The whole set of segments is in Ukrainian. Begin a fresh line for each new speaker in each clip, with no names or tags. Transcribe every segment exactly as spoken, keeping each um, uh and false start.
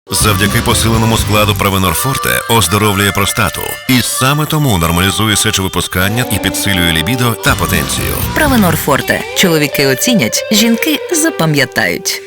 Завдяки посиленому складу Провенор Форте оздоровлює простату. І саме тому нормалізує сечовипускання і підсилює лібідо та потенцію.
Провенор Форте. Чоловіки оцінять, жінки запам'ятають.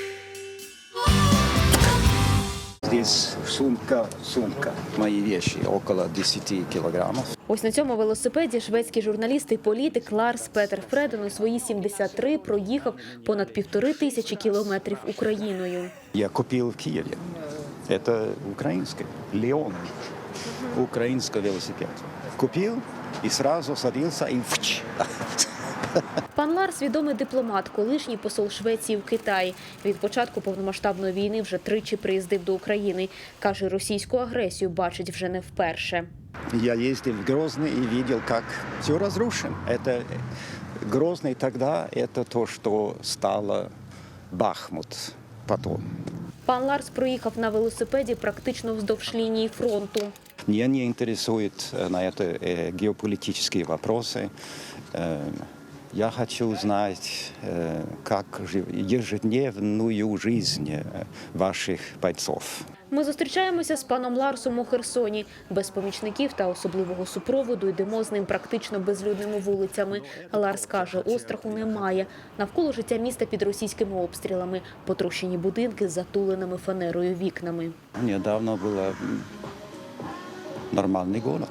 Здесь сумка, сумка. Мои вещи около десяти килограммов.
Ось на цьому велосипеді шведський журналіст і політик Ларс Петер Фреден у свої сімдесят три проїхав понад півтори тисячі кілометрів Україною.
Я купил в Киеве. Это украинский. Леон. Украинский велосипед. Купил и сразу садился и вч.
Пан Ларс – відомий дипломат, колишній посол Швеції в Китаї. Від початку повномасштабної війни вже тричі приїздив до України. Каже, російську агресію бачить вже не вперше.
Я ездил в Грозный и видел, как все разрушено. Это Грозный тогда, это то, что стало Бахмут потом.
Пан Ларс проїхав на велосипеді практично вздовж лінії фронту.
Меня не интересуют на это геополитические вопросы. Я хочу знать, как ежедневную жизнь ваших бойцов.
Ми зустрічаємося з паном Ларсом у Херсоні. Без помічників та особливого супроводу йдемо з ним практично безлюдними вулицями. Ларс каже, остраху немає. Навколо життя міста під російськими обстрілами. Потрощені будинки з затуленими фанерою вікнами.
Недавно був нормальний город.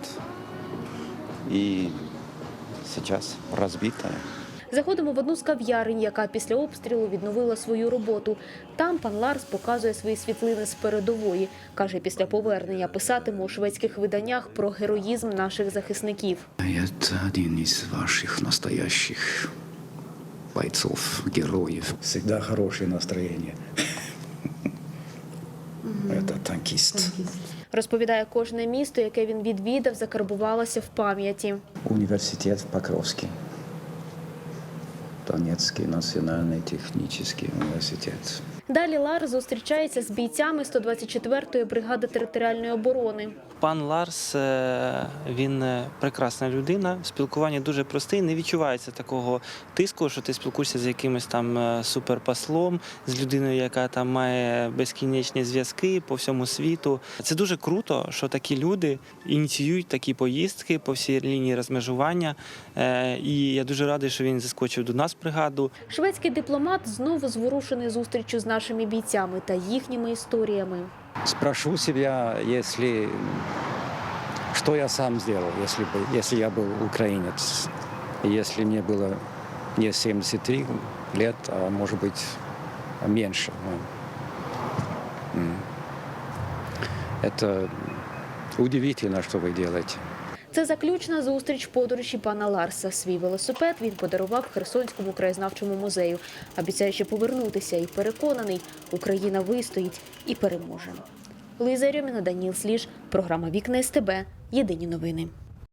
І зараз розбита.
Заходимо в одну з кав'ярень, яка після обстрілу відновила свою роботу. Там пан Ларс показує свої світлини з передової. Каже, після повернення писатиме у шведських виданнях про героїзм наших захисників.
Це один із ваших настоящих бойцов, героїв. Всегда хорошее настроєння. Це танкіст.
Розповідає, кожне місто, яке він відвідав, закарбувалося в пам'яті.
Університет в Покровській. Донецький національний технічний університет.
Далі Ларс зустрічається з бійцями сто двадцять четвертої бригади територіальної оборони.
Пан Ларс, він прекрасна людина, спілкування дуже просте, не відчувається такого тиску, що ти спілкуєшся з якимось там суперпослом, з людиною, яка там має безкінечні зв'язки по всьому світу. Це дуже круто, що такі люди ініціюють такі поїздки по всій лінії розмежування. І я дуже радий, що він заскочив до нас в бригаду.
Шведський дипломат знову зворушений зустрічю з нашими бійцями та їхніми історіями.
Спрошу себя, если что я сам сделал, если бы, если я был украинец, если мне было не семьдесят три лет, а может быть меньше. Это удивительно, что вы делаете.
Це заключна зустріч подорожі пана Ларса. Свій велосипед він подарував Херсонському краєзнавчому музею. Обіцяє ще повернутися і переконаний, Україна вистоїть і переможе. Луїза Рьоміна, Даніл Сліж, програма «Вікна СТБ». Єдині новини.